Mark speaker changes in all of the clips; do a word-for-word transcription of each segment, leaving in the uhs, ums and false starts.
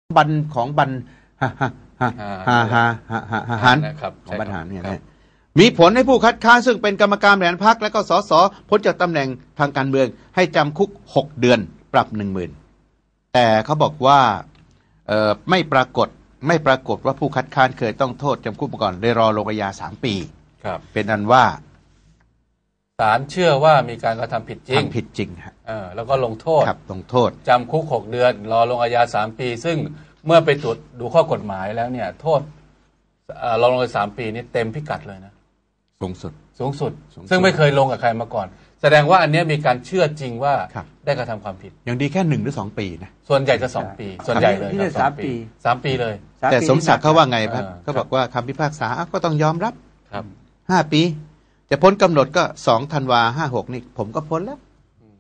Speaker 1: บันของบันฮะฮะฮะฮะฮะฮะฮะฮะฮันของบรรหารเนี่ยนะมีผลให้ผู้คัดค้านซึ่งเป็นกรรมการบริหารพรรคและก็สสพ้นจากตำแหน่งทางการเมืองให้จำคุกหกเดือนปรับหนึ่งหมื่นแต่เขาบอกว่าเอ่อไม่ปรากฏไม่ปรากฏว่าผู้คัดค้านเคยต้องโทษจำคุกมาก่อนเลยรอลงอาญาสามปี
Speaker 2: ครับ
Speaker 1: เป็นอันว่า
Speaker 2: ศาลเชื่อว่ามีการกระทำผิดจริง
Speaker 1: ทำผิดจริงฮะ
Speaker 2: เออแล้วก็ลงโทษ
Speaker 1: ครับลงโทษ
Speaker 2: จำคุกหกเดือนรอลงอาญาสามปี ซึ่งเมื่อไปตรวจดูข้อกฎหมายแล้วเนี่ยโทษรอลงอาญาสามปีนี้เต็มพิกัดเลยนะ
Speaker 1: สูงสุด
Speaker 2: สูงสุดซึ่งไม่เคยลงกับใครมาก่อนแสดงว่าอันนี้มีการเชื่อจริงว่าได้กระทำความผิด
Speaker 1: อย่างดีแค่หนึ่งหรือสองปีนะ
Speaker 2: ส่วนใหญ่จะสองปีส่วนใหญ่เลยครับสามปีสามปีเลย
Speaker 1: แต่สมศักดิ์เขาว่าไงครับเขาบอกว่าคำพิพากษาก็ต้องยอมรับ
Speaker 2: ครับ
Speaker 1: ห้าปีจะพ้นกำหนดก็สองธันวาห้าหกนี่ผมก็พ้นแล้ว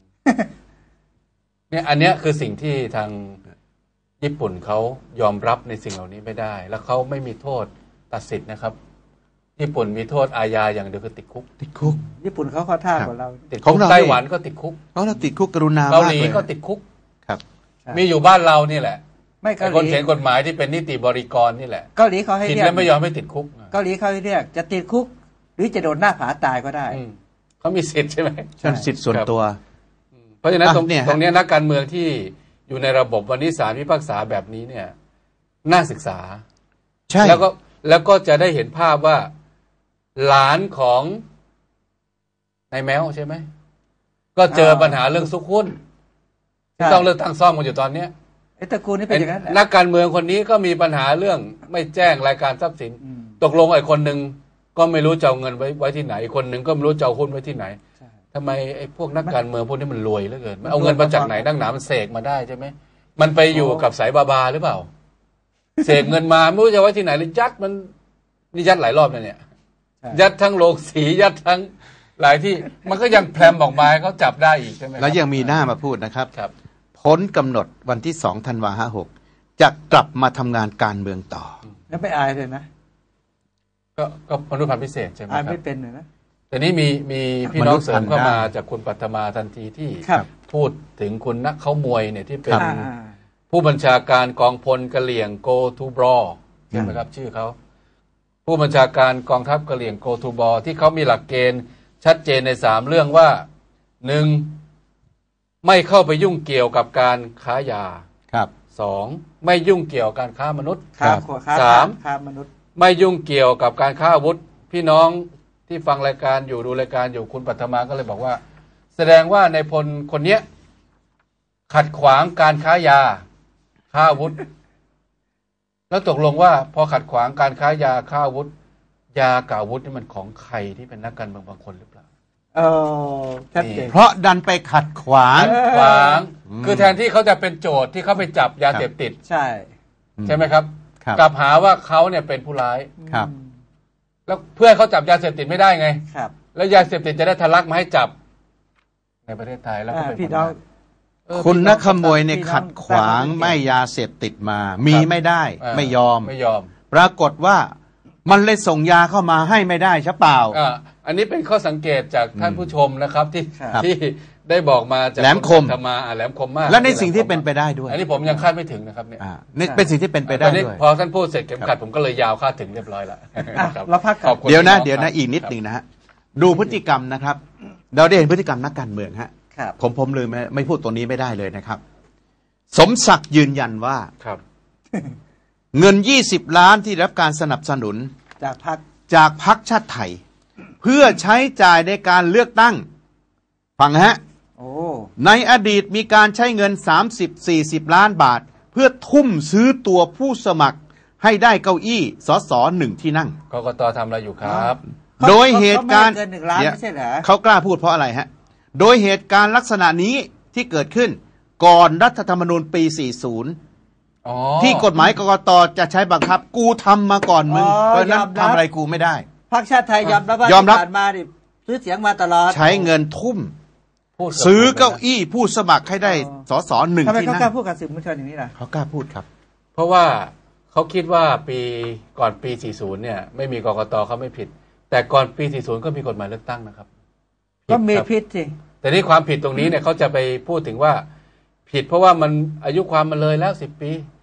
Speaker 2: เนี่ยอันเนี้ยคือสิ่งที่ทางญี่ปุ่นเขายอมรับในสิ่งเหล่านี้ไม่ได้แล้วเขาไม่มีโทษตัดสิทธิ์นะครับญี่ปุ่นมีโทษอาญาอย่างเดียวคือติดคุก
Speaker 1: ติดคุก
Speaker 3: ญี่ปุ่นเขาข้อท่ากว่าเรา
Speaker 2: ติดคุกไต้หวันก็ติดคุก
Speaker 1: เขาเราติดคุกกรุณา
Speaker 2: เกาหลีก็ติดคุก
Speaker 1: ครับ
Speaker 2: มีอยู่บ้านเรานี่แหละ
Speaker 3: ไม่เกาหลี
Speaker 2: คนเขียนกฎหมายที่เป็นนิติบริกรนี่แหละ
Speaker 3: เกาหลีเขาให้
Speaker 2: เรียกผิดแล้วไม่ยอมให้ติดคุก
Speaker 3: เกาหลีเขาให้เรียกจะติดคุกหรือจะโดนหน้าผาตายก็ได้
Speaker 2: เขามีสิทธิ์ใช่ไหม
Speaker 1: ใช่สิทธิ์ส่วนตัว
Speaker 2: เพราะฉะนั้นตรงนี้ตรงนี้นักการเมืองที่อยู่ในระบบวันนี้ศาลพิพากษาแบบนี้เนี่ยน่าศึกษา
Speaker 1: ใช่
Speaker 2: แล้วก็แล้วก็จะได้เห็นภาพว่าหลานของนายแมวใช่ไหมก็เจอปัญหาเรื่องซุกหุ้นที่ต้องเลือกตั้งซ่อมกันอยู่ตอนนี้
Speaker 3: ไอ้ตระกูลนี้เป็นอย่างนั้น
Speaker 2: นักการเมืองคนนี้ก็มีปัญหาเรื่องไม่แจ้งรายการทรัพย์สินตกลงไอ้คนหนึ่งก็ไม่รู้จะเอาเงินไว้ไว้ที่ไหนคนหนึ่งก็ไม่รู้จะเอาหุ้นไว้ที่ไหนทำไมไอ้พวกนักการเมืองพวกนี้มันรวยเหลือเกินมันเอาเงินมาจากไหนนักหนามันเสกมาได้ใช่ไหมมันไปอยู่กับสายบาบาหรือเปล่าเสกเงินมาไม่รู้จะไว้ที่ไหนเลยยัดมันนี่ยัดหลายรอบนะเนี่ยยัดทั้งโรงสียัดทั้งหลายที่มันก็ยังแพรมออกมาเขาจับได้อีกใช่ไหม
Speaker 1: แล้วยังมีหน้ามาพูดนะครับพ้นกำหนดวันที่สองธันวาห้าหกจะกลับมาทำงานการเมืองต่อ
Speaker 3: แล้วไม่อายเลยนะ
Speaker 2: ก็ก็มนุษย์พันธุ์พิเศษใช่ไหมครับ
Speaker 3: อายไม่เป็นเลยนะ
Speaker 2: แต่นี้มีมีพี่น้องเสริมเข้ามาจากคุณปัทมาทันทีที่พูดถึงคุณนักเขามวยเนี่ยที่เป็นผู้บัญชาการกองพลกะเหลี่ยง Go to Brawl ใช่ไหมครับชื่อเขาผู้บัญชาการกองทัพกะเหลี่ยง Go to Brawl ที่เขามีหลักเกณฑ์ชัดเจนในสามเรื่องว่าหนึ่งไม่เข้าไปยุ่งเกี่ยวกับการค้ายา
Speaker 1: ครับ
Speaker 2: สองไม่ยุ่งเกี่ยวกับการค้ามนุษย์
Speaker 3: ครับ
Speaker 2: สาม
Speaker 3: ค้ามนุษย์
Speaker 2: ไม่ยุ่งเกี่ยวกับการค้าอาวุธพี่น้องที่ฟังรายการอยู่ดูรายการอยู่คุณปัทมาก็เลยบอกว่าแสดงว่าในพลคนเนี้ยขัดขวางการค้ายาค้าอาวุธแล้วตกลงว่าพอขัดขวางการค้ายาค้าอาวุธยากับอาวุธนี่มันของใครที่เป็นนักการเมืองบางคนหรือเปล่า
Speaker 3: เออชัดเจน
Speaker 1: เพราะดันไปขัดขวาง
Speaker 2: ขวางคือแทนที่เขาจะเป็นโจทย์ที่เขาไปจับยาเสพติด
Speaker 3: ใช่
Speaker 2: ใช่ไหมครับกลับหาว่าเขาเนี่ยเป็นผู้ร้าย
Speaker 1: ครับ
Speaker 2: แล้วเพื่อเขาจับยาเสพติดไม่ได้ไง
Speaker 3: ครับ
Speaker 2: แล้วยาเสพติดจะได้ทะลักมาให้จับในประเทศไทยแล้วก็เป็น
Speaker 3: พี่น้อง
Speaker 1: คุณนักขโมยในขัดขวางไม่ยาเสพติดมามีไม่ได้ไม่ยอม
Speaker 2: ไม่ยอม
Speaker 1: ปรากฏว่ามันเลยส่งยาเข้ามาให้ไม่ได้ใช่เปล่า
Speaker 2: อ่าอันนี้เป็นข้อสังเกตจากท่านผู้ชมนะครับที่ที่ได้บอกมาจาก
Speaker 1: แหลมคม
Speaker 2: ธรรมาแหลมคมมาก
Speaker 1: และในสิ่งที่เป็นไปได้ด้วย
Speaker 2: อันนี้ผมยังคาดไม่ถึงนะครับเนี่ย
Speaker 1: นี่เป็นสิ่งที่เป็นไปได้ด้วย
Speaker 2: พอท่านพูดเสร็จเข็มขัดผมก็เลยยาวคาดถึงเรียบร้อยแล้ว
Speaker 3: เราพัก
Speaker 1: เดี๋ยวนะเดี๋ยวนะอีกนิดนึงนะฮะดูพฤติกรรมนะครับเราได้เห็นพฤติกรรมนักการเมืองฮะผมผมเลยไม่ไม่พูดตัวนี้ไม่ได้เลยนะครับสมศักดิ์ยืนยันว่าเงินยี่สิบล้านที่รับการสนับสนุน
Speaker 3: จากพรรค
Speaker 1: จากพรรคชาติไทยเพื่อใช้จ่ายในการเลือกตั้งฟังฮะในอดีตมีการใช้เงิน สามสิบถึงสี่สิบ ล้านบาทเพื่อทุ่มซื้อตัวผู้สมัครให้ได้เก้าอี้สสหนึ่งที่นั่ง
Speaker 2: กกต.ทำอะไรอยู่ครับ
Speaker 1: โดยเหตุการณ์เขากล้าพูดเพราะอะไรฮะโดยเหตุการณ์ลักษณะนี้ที่เกิดขึ้นก่อนรัฐธรรมนูญปีสี่สิบที่กฎหมายกกต.จะใช้บังคับกูทำมาก่อนมึงเพราะนั้นทำอะไรกูไม่ได้
Speaker 3: พรรคชาติไทยยอมรับว่ายอมรับมาดิซื้อเสียงมาตลอด
Speaker 1: ใช้เงินทุ่มซื้อเก้าอี้ผู้สมัครให้ได้สสหนึ่งที่นั่ง
Speaker 3: ทำไมเขากล้าพูดกับสื่อมวลชนอย่างนี้ล่ะ
Speaker 1: เขากล้าพูดครับ
Speaker 2: เพราะว่าเขาคิดว่าปีก่อนปีสี่สิบเนี่ยไม่มีกกต.เขาไม่ผิดแต่ก่อนปีสี่สิบก็มีกฎหมายเลือกตั้งนะครับ
Speaker 3: ก็มีผิดสิ
Speaker 2: แต่นี่ความผิดตรงนี้เนี่ยเขาจะไปพูดถึงว่าผิดเพราะว่ามันอายุความมันเลยแล้วสิบปี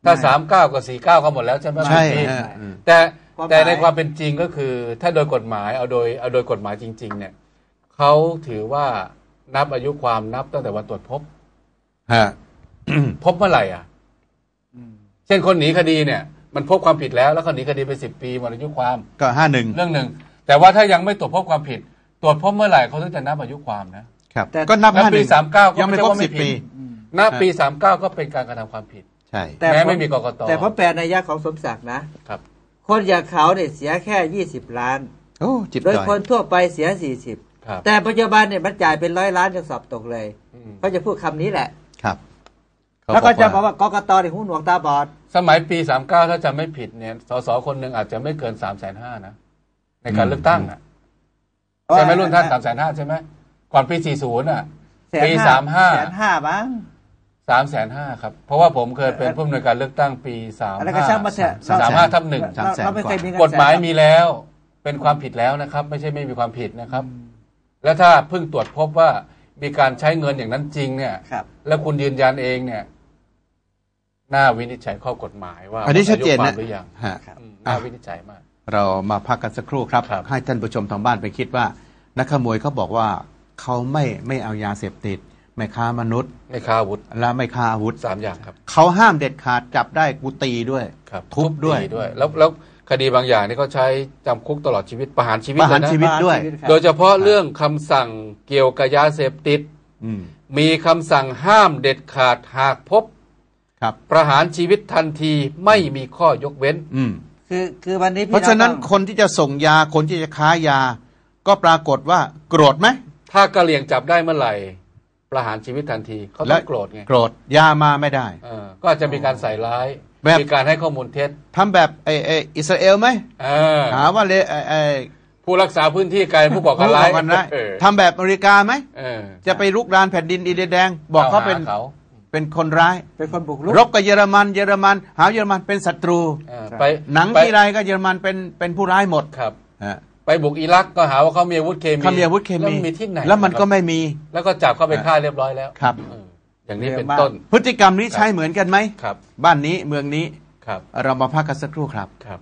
Speaker 2: ถ้าสามเก้ากับสี่เก้าก็หมดแล้วใช่ไหม
Speaker 1: ใช่
Speaker 2: แต่แต่ในความเป็นจริงก็คือถ้าโดยกฎหมายเอาโดยเอาโดยกฎหมายจริงๆเนี่ยเขาถือว่านับอายุความนับตั้งแต่วันตรวจพบ
Speaker 1: ฮะ
Speaker 2: พบเมื่อไหร่อ่ะเช่นคนหนีคดีเนี่ยมันพบความผิดแล้วแล้วเขาหนีคดีไปสิบปีหมดอายุความ
Speaker 1: ก็ห้าหนึ่ง
Speaker 2: เรื่องหนึ่งแต่ว่าถ้ายังไม่ตรวจพบความผิดตรวจพบเมื่อไหร่เขาถึงจะนับอายุความนะครับ
Speaker 1: ก็นับห้าห
Speaker 2: นึ่
Speaker 1: ง
Speaker 2: ปีสามเก้า
Speaker 1: ยังไม่ครบสิบปี
Speaker 2: นับปีสามเก้าก็เป็นการกระทำความผิด
Speaker 1: ใช่
Speaker 2: แม้ไม่มีกกต
Speaker 3: แต่ผมแปลในยะของสมศักดิ์นะครับคนอย่างเขาเนี่ยเสียแค่ยี่สิบล้าน
Speaker 1: โอ้จิบ
Speaker 3: โดยคนทั่วไปเสียสี่สิบแต่ปัจจุบันเนี่ยมันจ่ายเป็นร้อยล้านยังสอบตกเลยเขาจะพูดคำนี้แหละ
Speaker 1: ครับ
Speaker 3: แล้วก็จะบอกว่ากกตเนี่ยหูหนวกตาบอด
Speaker 2: สมัยปีสามเก้าถ้าจำไม่ผิดเนี่ยสสคนหนึ่งอาจจะไม่เกินสามแสนห้านะในการเลือกตั้งอ่ะใช่ไหมรุ่นท่านสามแสนห้าใช่ไหมก่อนปีสี่ศูนย์อ่ะปีสามห้า
Speaker 3: แสนห้าบ้าง
Speaker 2: สามแสนห้าครับเพราะว่าผมเคยเป็นผู้อำนวยการเลือกตั้งปีสามห้าสามห้าทับหนึ่งกฎหมายมีแล้วเป็นความผิดแล้วนะครับไม่ใช่ไม่มีความผิดนะครับแล้วถ้าเพิ่งตรวจพบว่ามีการใช้เงินอย่างนั้นจริงเนี่ยแล้วคุณยืนยันเองเนี่ยน่าวินิจฉัยข้อกฎหมายว่า
Speaker 1: อันนี้ชัดเจนนะ
Speaker 2: หรือยังน่าวินิจฉัยมาก
Speaker 1: เรามาพักกันสักครู่ครับให้ท่านผู้ชมทางบ้านไปคิดว่านักขโมยเขาบอกว่าเขาไม่ไม่เอายาเสพติดไม่ค้ามนุษย์
Speaker 2: ไม่ค้าอาวุธ
Speaker 1: และไม่ค้าอาวุธ
Speaker 2: สามอย่างครับ
Speaker 1: เขาห้ามเด็ดขาดจับได้กูตีด้วยทุบด้วย
Speaker 2: ด้วยแล้วแล้วคดีบางอย่างนี่เขาใช้จำคุกตลอดชีวิตประหารชีวิต
Speaker 1: ประหารชีวิตด้วย
Speaker 2: โดยเฉพาะเรื่องคำสั่งเกี่ยวกับยาเสพติดมีคำสั่งห้ามเด็ดขาดหากพบประหารชีวิตทันทีไม่มีข้อยกเว้น
Speaker 3: คือคือวันนี้
Speaker 1: เพราะฉะนั้นคนที่จะส่งยาคนที่จะค้ายาก็ปรากฏว่าโกรธไหม
Speaker 2: ถ้ากะเหรี่ยงจับได้เมื่อไหร่ประหารชีวิตทันทีเขาต้องโกรธไง
Speaker 1: โกรธยามาไม่ได้
Speaker 2: ก็จะมีการใส่ร้ายมีการให้ข้อมูลเท็จ
Speaker 1: ทำแบบไอไออิสราเอลไหมหาว่าเลยไอไอ
Speaker 2: ผู้รักษาพื้นที่กลายผู้ก่อการร้าย
Speaker 1: ทำแบบอเมริกาไหมจะไปลุกรานแผ่นดินอินเดียแดงบอกเขาเป็นเป็นคนร้าย
Speaker 3: เป็นคนบุกรุก
Speaker 1: รบกับเยอรมันเยอรมันหาเยอรมันเป็นศัตรูไปหนังที่ไรก็เยอรมันเป็นเป็นผู้ร้ายหมด
Speaker 2: ครับไปบุกอิรักก็หาว่าเขามีอาวุธเคมี
Speaker 1: เขามีอาวุธเคมี
Speaker 2: มีที่ไหน
Speaker 1: แล้วมันก็ไม่มี
Speaker 2: แล้วก็จับเข้าไปฆ่าเรียบร้อยแล้ว
Speaker 1: ครับ
Speaker 2: อย่างนี้เป็นต้น
Speaker 1: พฤติกรรมนี้ใช้เหมือนกันไหม
Speaker 2: ครับ
Speaker 1: บ้านนี้เมืองนี้
Speaker 2: ครับ
Speaker 1: เรามาพักกันสักครู่ครับ
Speaker 2: ครับ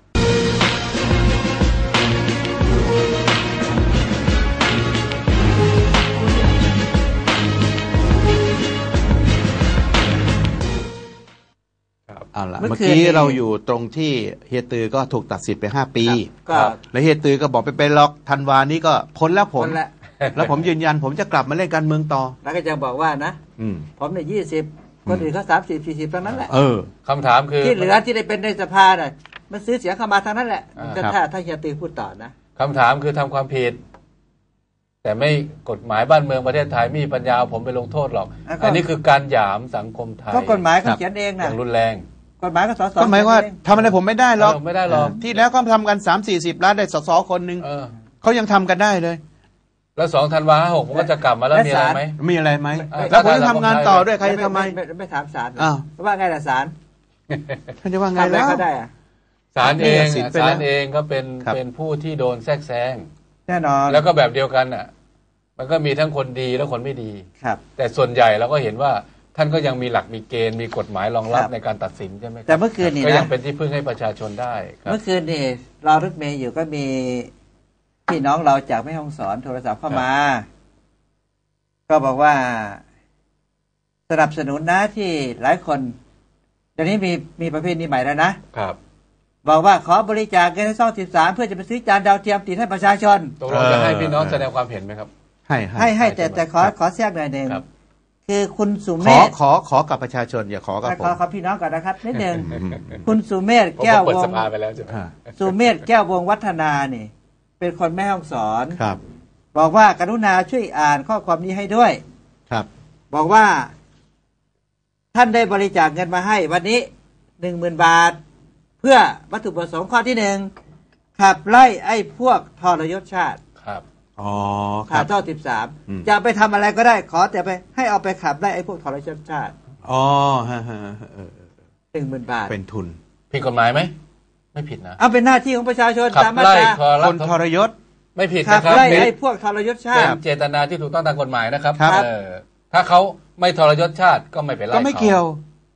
Speaker 1: เอาละเมื่อกี้เราอยู่ตรงที่เฮียตือก็ถูกตัดสิทธิ์ไปห้าปีแล้วเฮียตือก็บอกไปไปล็อกธันวานี้ก็พ้นแล้วผมแล้วผมยืนยันผมจะกลับมาเล่นการเมืองต่อ
Speaker 3: แล้วก็จะบอกว่านะผมเนี่ยยี่สิบคนอื่นเขาสามสิบสี่สิบเท่านั้นแหละ
Speaker 1: เออ
Speaker 2: คำถามคือ
Speaker 3: ที่เหลือที่ได้เป็นในสภาน่ะมันซื้อเสียงเข้ามาทางนั้นแหละถ้าถ้าเฮียตือพูดต่อนะ
Speaker 2: คำถามคือทำความผิดแต่ไม่กฎหมายบ้านเมืองประเทศไทยมีปัญญาผมไปลงโทษหรอกอันนี้คือการหยามสังคมไทย
Speaker 3: ก็กฎหมายเขาเขียนเองนะ
Speaker 2: อย่างรุนแรง
Speaker 3: กฎหมายก็สส
Speaker 1: ก็หมายว่าทำอะไรผมไม่ได้หรอก
Speaker 2: ไม่ได้หรอก
Speaker 1: ที่แล้วก็ทำกันสามสี่สิบล้านได้สสคนหนึ่งเขายังทำกันได้เลย
Speaker 2: แล้วสองธันวาหกผมก็จะกลับมาแล้วมีอะไรไหม
Speaker 1: มีอะไรไหมแล้วผมจะทำงานต่อด้วยใครทำไม
Speaker 3: ไม่ถามศาลว่าไงล่ะศาล
Speaker 1: ท่านจะว่าไงแล้ว
Speaker 2: ศาลเองศาลเองก็เป็นเป็นผู้ที่โดนแทรกแซง
Speaker 3: แน่นอน
Speaker 2: แล้วก็แบบเดียวกันอ่ะมันก็มีทั้งคนดีและคนไม่ดี
Speaker 3: ครับ
Speaker 2: แต่ส่วนใหญ่เราก็เห็นว่าท่านก็ยังมีหลักมีเกณฑ์มีกฎหมายรองรับในการตัดสินใช่ไหม
Speaker 3: แต่เมื่อคืนนี้
Speaker 2: ก็ยังเป็นที่พึ่งให้ประชาชนได้
Speaker 3: เมื่อคืนนี่เรารถเมย์อยู่ก็มีพี่น้องเราจากแม่ฮ่องสอนโทรศัพท์เข้ามาก็บอกว่าสนับสนุนนะที่หลายคนเดี๋ยวนี้มีมีประเภทนี้ใหม่แล้วนะครับบอกว่าขอบริจาคเงินให้ช่องสิบสามเพื่อจะไปซื้อจานดาวเทียมติดให้ประชาชน
Speaker 2: ตกลงจะให้พี่น้องแสดงความเห็นไหมครับ
Speaker 1: ให้
Speaker 3: ให้ให้แต่แต่ขอขอแทรกหน่อยหนึ่งคือคุณสุเมธ
Speaker 1: ขอขอกับประชาชนอย่าขอกับผม
Speaker 3: ขอขอพี่น้องก่อนนะครับนิดนึงคุณสุเมธแก้ววงสุเมธแก้ววงวัฒนานี่เป็นคนแม่ฮ่องสอน
Speaker 1: ครับ
Speaker 3: บอกว่ากรุณาช่วยอ่านข้อความนี้ให้ด้วย
Speaker 1: ครับ
Speaker 3: บอกว่าท่านได้บริจาคเงินมาให้วันนี้หนึ่งหมื่นบาทเพื่อวัตถุประสงค์ข้อที่หนึ่งขับไล่ไอ้พวกทรยศชาติ
Speaker 2: ครับ
Speaker 1: อ๋อ
Speaker 3: ขาดท่อสิบสามจะไปทำอะไรก็ได้ขอแต่ไปให้เอาไปขับไล่ไอ้พวกทรยศชาติ
Speaker 1: อ๋อฮะฮะ
Speaker 3: หนึ่งหมื่นบาท
Speaker 1: เป็นทุน
Speaker 2: ผิดกฎหมายไหมไม่ผิดนะ
Speaker 3: เอาเป็นหน้าที่ของประชาชน
Speaker 2: ตามมาตรา
Speaker 1: คนทรยศ
Speaker 2: ไม่ผิดนะครับ
Speaker 3: ขับไล่ไอ้พวกทรยศชาติ
Speaker 2: เจตนาที่ถูกต้องตามกฎหมายนะครับถ้าเขาไม่ทรยศชาติก็ไม่เป็นไร
Speaker 1: ก็ไม่เกี่ยว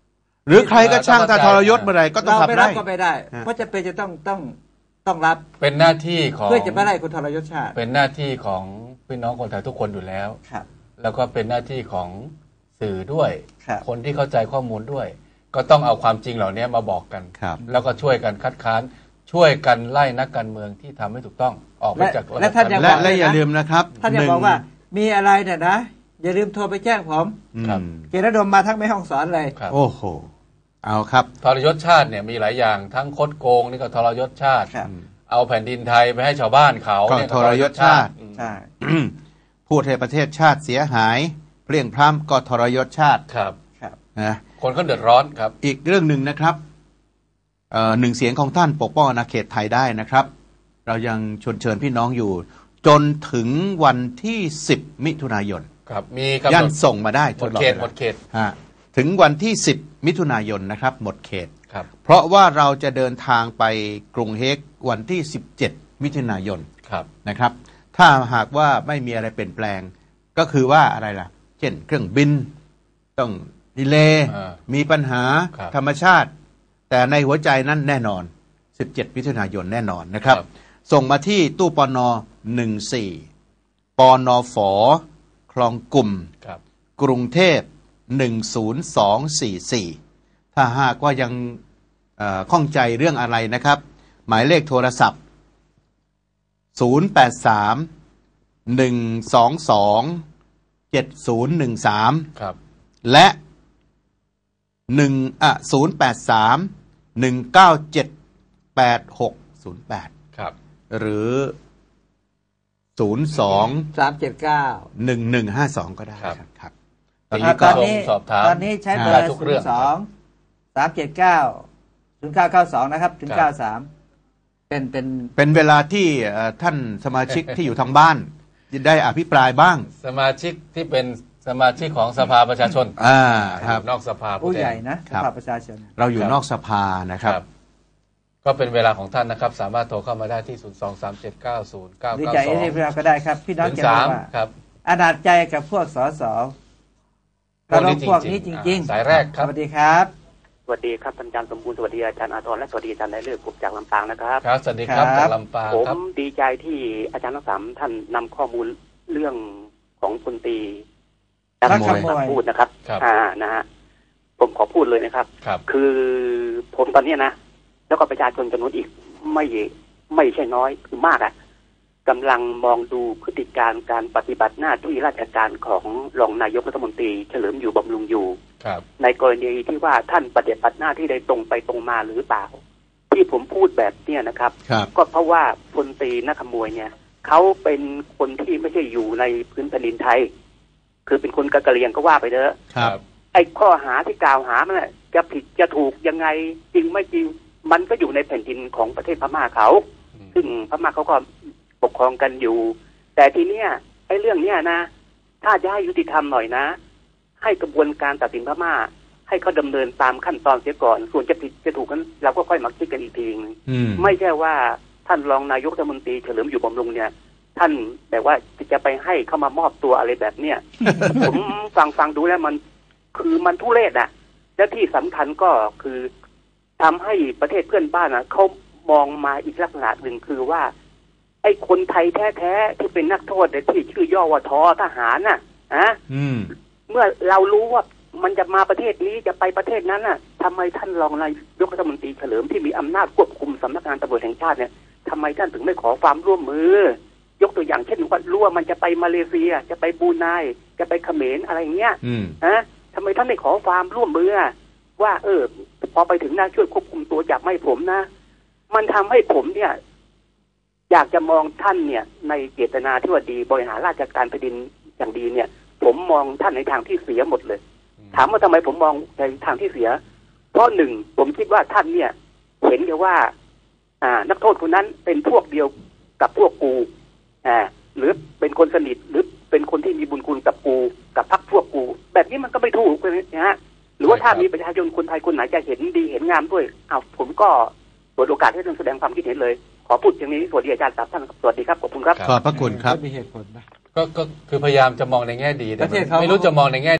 Speaker 1: หรือใครก็ช่างถ้าทรยศเมื่อไหร่ก็ต้อง
Speaker 3: เรา
Speaker 1: ขับ
Speaker 3: ไม่รั
Speaker 1: ไล่
Speaker 3: บก็ไม่ได้ เพราะจะเป็นจะต้องต้องต้องรับ
Speaker 2: เป็นหน้าที่ของ
Speaker 3: เพื่อจะไม่ไล่คนทรยศชาติ
Speaker 2: เป็นหน้าที่ของพี่น้องคนไทยทุกคนอยู่แล้ว
Speaker 3: ครับ
Speaker 2: แล้วก็เป็นหน้าที่ของสื่อด้วย
Speaker 3: ครับ
Speaker 2: คนที่เข้าใจข้อมูลด้วย ก็ต้องเอาความจริงเหล่านี้มาบอกกัน
Speaker 1: ครับ
Speaker 2: แล้วก็ช่วยกันคัดค้านช่วยกันไล่นักการเมืองที่ทำไม่ถูกต้องออกไปจากระบบ
Speaker 3: และท่านยัง
Speaker 1: และ
Speaker 3: บอก
Speaker 1: และ
Speaker 3: เลยนะ
Speaker 1: อย่าลืมนะครับ
Speaker 3: ท่านจะบอกว่ามีอะไรเนี่ยนะ อย่าลืมโทรไปแจ้งผม
Speaker 1: อืม
Speaker 2: ครับ
Speaker 3: เกณฑ์ระดมมาทั้งแม่ห้องสอนเลย
Speaker 2: ครับ
Speaker 1: โอ้โหเอาครับ
Speaker 2: ทรยศชาติเนี่ยมีหลายอย่างทั้งคดโกงนี่ก็ทรยศชาติ
Speaker 3: ครับ
Speaker 2: เอาแผ่นดินไทยไปให้ชาวบ้านเขาเนี่ย
Speaker 1: ก็ทรยศชาติ
Speaker 2: อืม
Speaker 3: ใช่
Speaker 1: พูดให้ประเทศชาติเสียหายเพลี่ยงพล้ำก็ทรยศชาติ
Speaker 2: ครับ
Speaker 3: ครับ
Speaker 1: นะ
Speaker 2: คนก็เดือดร้อนครับ
Speaker 1: อีกเรื่องหนึ่งนะครับเอ่อหนึ่งเสียงของท่านปกป้องอาณาเขตไทยได้นะครับ เรายังชวนเชิญพี่น้องอยู่ จนถึงวันที่สิบมิถุนายน
Speaker 2: ครับ มีกำห
Speaker 1: ย่าน
Speaker 2: ด
Speaker 1: ส่งมาได้
Speaker 2: หมด
Speaker 1: ตลอ
Speaker 2: เขต
Speaker 1: วลา
Speaker 2: หมดเขต
Speaker 1: ฮะถึงวันที่สิบมิถุนายนนะครับ หมดเขต
Speaker 2: ครับ
Speaker 1: เพราะว่าเราจะเดินทางไปกรุงเฮกวันที่สิบเจ็ดมิถุนายน
Speaker 2: ครับ
Speaker 1: นะครับ ถ้าหากว่าไม่มีอะไรเปลี่ยนแปลง ก็คือว่าอะไรล่ะ เช่น เครื่องบินต้องดีเลย์
Speaker 2: อ่า
Speaker 1: มีปัญหา
Speaker 2: ครับ
Speaker 1: ธรรมชาติ แต่ในหัวใจนั้นแน่นอน สิบเจ็ดมิถุนายนแน่นอนนะครับ
Speaker 2: ครับ
Speaker 1: ส่งมาที่ตู้ปนหนึ่งสี่ปนฝคลองกลุ่ม
Speaker 2: ครับ
Speaker 1: กรุงเทพหนึ่งศูนย์สองสี่สี่ ถ้าหากว่ายังเอ่อข้องใจเรื่องอะไรนะครับ หมายเลขโทรศัพท์ ศูนย์ แปด สาม หนึ่ง สอง สอง เจ็ด ศูนย์ หนึ่ง สาม
Speaker 2: ครับ
Speaker 1: และหนึ่งอ่ะศูนย์ แปด สาม หนึ่ง เก้า เจ็ด แปด หก ศูนย์ แปด
Speaker 2: ครับ
Speaker 1: หรือ ศูนย์ สอง
Speaker 3: สามเจ็ดเก้า
Speaker 1: หนึ่ง หนึ่ง ห้า สอง ก็ได้
Speaker 2: ครับ
Speaker 1: ครับครับ
Speaker 2: ตอน
Speaker 1: นี้
Speaker 2: นี้
Speaker 3: ต
Speaker 2: ก็
Speaker 3: อนนี้
Speaker 2: สอบถาม
Speaker 3: ตอนนี้ใช้เบอ
Speaker 2: ได้
Speaker 3: ร์
Speaker 2: ทุก
Speaker 3: ศู
Speaker 2: เรื่
Speaker 3: น
Speaker 2: อง
Speaker 3: ย์สองสามเจ็ดเก้าศูนย์เก้าเก้าสองนะครับ ถึง
Speaker 2: ครั
Speaker 3: เก้า
Speaker 2: บ
Speaker 3: สามเป็นเป็น
Speaker 1: เป็นเวลาที่เอ่อท่านสมาชิก ที่อยู่ทางบ้านจะได้อภิปรายบ้าง
Speaker 2: สมาชิกที่เป็นสมาชิกของสภาประชาชน
Speaker 1: อ่าครับ
Speaker 2: นอกสภา
Speaker 3: ผู้
Speaker 2: แทน
Speaker 3: ใหญ่นะ
Speaker 1: ครั
Speaker 3: ส
Speaker 1: บ
Speaker 3: ภาประชาชน
Speaker 1: เราอยู่
Speaker 2: ครับ
Speaker 1: นอกสภานะครับ
Speaker 2: ครับ ก็เป็นเวลาของท่านนะครับ สามารถโทรเข้ามาได้ที่ ศูนย์ สอง สาม เจ็ด เก้า ศูนย์ เก้า
Speaker 3: หรือ
Speaker 2: เก้า
Speaker 3: ใจ
Speaker 2: ส
Speaker 3: เอ
Speaker 2: อง
Speaker 3: เอฟก็ได้ครับ พี่น้อง
Speaker 2: ถึง
Speaker 3: จะบ
Speaker 2: สา
Speaker 3: อก
Speaker 2: ม
Speaker 3: ว่า
Speaker 2: ครับ
Speaker 3: อนาจใจกับพวกสส
Speaker 2: พวกนี้
Speaker 3: พวกนี้
Speaker 2: จ
Speaker 3: จ
Speaker 2: ริงๆ
Speaker 3: ริง
Speaker 2: อ่าสายแรกครับ
Speaker 3: สวัสดีครับ
Speaker 4: สวัสดีครับอาจารย์สมบูรณ์สวัสดีอาจารย์อาทรและสวัสดีอาจารย์ได้เลือกผมจากลำปางนะครับ
Speaker 2: ครับสวัสดีครับ
Speaker 3: ครับ
Speaker 2: จากลำปาง
Speaker 4: ผม
Speaker 2: ครับ
Speaker 4: ดีใจที่อาจารย์ทั้งสามท่านนำข้อมูลเรื่องของพลตรี
Speaker 3: พระ
Speaker 4: นัก
Speaker 3: ขโมย
Speaker 4: พูดนะครับ
Speaker 2: ครับ
Speaker 4: อ่านะฮะผมขอพูดเลยนะครับ
Speaker 2: ครับ
Speaker 4: คือผมตอนเนี้ยนะ แล้วก็ประชาชนจำนวนอีกไม่ไม่ใช่น้อยคือมากอะ่ะกำลังมองดูพฤติการการปฏิบัติหน้าที่ราชการของรองนายกรัฐมนตรีเฉลิมอยู่บำรุงอยู่
Speaker 2: ครับ
Speaker 4: ในกรณีที่ว่าท่านปฏิบัติหน้าที่ได้ตรงไปตรงมาหรือเปล่า ที่ผมพูดแบบเนี้ยนะครับ
Speaker 1: ครับ
Speaker 4: ก็เพราะว่าพลตรีนักขโมยเนี่ยเขาเป็นคนที่ไม่ใช่อยู่ในพื้นแผ่นดินไทย คือเป็นคนกะกะเหรี่ยงก็ว่าไปเถอะ
Speaker 1: ครับ
Speaker 4: ไอ้ข้อหาที่กล่าวหามันน่ะจะผิดจะถูกยังไงจริงไม่จริง มันก็อยู่ในแผ่นดินของประเทศพม่าเขา
Speaker 2: อืม
Speaker 4: ซึ่งพม่าเขาก็ปกครองกันอยู่ แต่ทีเนี้ยไอ้เรื่องเนี้ยนะ ถ้าจะให้ยุติธรรมหน่อยนะ ให้กระบวนการตัดสินพม่า ให้เขาดำเนินตามขั้นตอนเสียก่อน ส่วนจะผิดจะถูกนั้นเราก็ค่อยมาคิดกันอีกทีนึง
Speaker 1: อืม
Speaker 4: ไม่ใช่ว่าท่านรองนายกรัฐมนตรีเฉลิมอยู่บำรุงเนี่ย ท่านแบบว่าจะไปให้เขามามอบตัวอะไรแบบเนี้ย ผมฟังฟังดูแล้วมันคือมันทุเรศอะและที่สำคัญก็คือทำให้ประเทศเพื่อนบ้านอะเขามองมาอีกลักษณะหนึ่งคือว่า ไอ้คนไทยแท้ๆที่เป็นนักโทษเนี่ยที่ชื่อย่อว่าทอทหารน่ะอะ
Speaker 1: อืม
Speaker 4: เมื่อเรารู้ว่ามันจะมาประเทศนี้จะไปประเทศนั้นน่ะทำไมท่านรองนายกรัฐมนตรีเฉลิมที่มีอำนาจควบคุมสำนักงานตำรวจแห่งชาติเนี่ยทำไมท่านถึงไม่ขอความร่วมมือ ยกตัวอย่างเช่นว่ารู้ว่ามันจะไปมาเลเซีย จะไปบรูไนจะไปเขมรอะไรอย่างเงี้ย
Speaker 1: อืม
Speaker 4: ฮะทำไมท่านไม่ขอความร่วมมือว่า เออ พอไปถึงนะช่วยควบคุมตัวจับไม่ผมนะ มันทำให้ผมเนี่ย อยากจะมองท่านเนี่ย ในเจตนาที่ว่าดีบริหารราชการแผ่นดินอย่างดีเนี่ย ผมมองท่านในทางที่เสียหมดเลย ถามว่าทำไมผมมองในทางที่เสีย เพราะหนึ่งผมคิดว่าท่านเนี่ย เห็นเลยว่า อ่า นักโทษคนนั้นเป็นพวกเดียวกับพวกกูอ่าหรือเป็นคนสนิทหรือเป็นคนที่มีบุญคุณกับกูกับพรรคพวกกู แบบนี้มันก็ไม่ถูกเลยนะฮะหรือว่าถ้ามีประชาชนคนไทยคนไหนจะเห็นดีเห็นงามด้วยอ้าวผมก็เปิดโอกาสให้ท่านแสดงความคิดเห็นเลย ขอพูดอย่างนี้สวัสดีอาจารย์ครับท่านสวัสดีครับขอบคุณครับ
Speaker 1: ขอบพระคุณครับ
Speaker 3: มีเหตุผลนะ
Speaker 2: ก็ก็คือพยายามจะมองในแง่ดีแต่
Speaker 3: ประเทศเขา
Speaker 2: ไม่รู้จะมองในแง่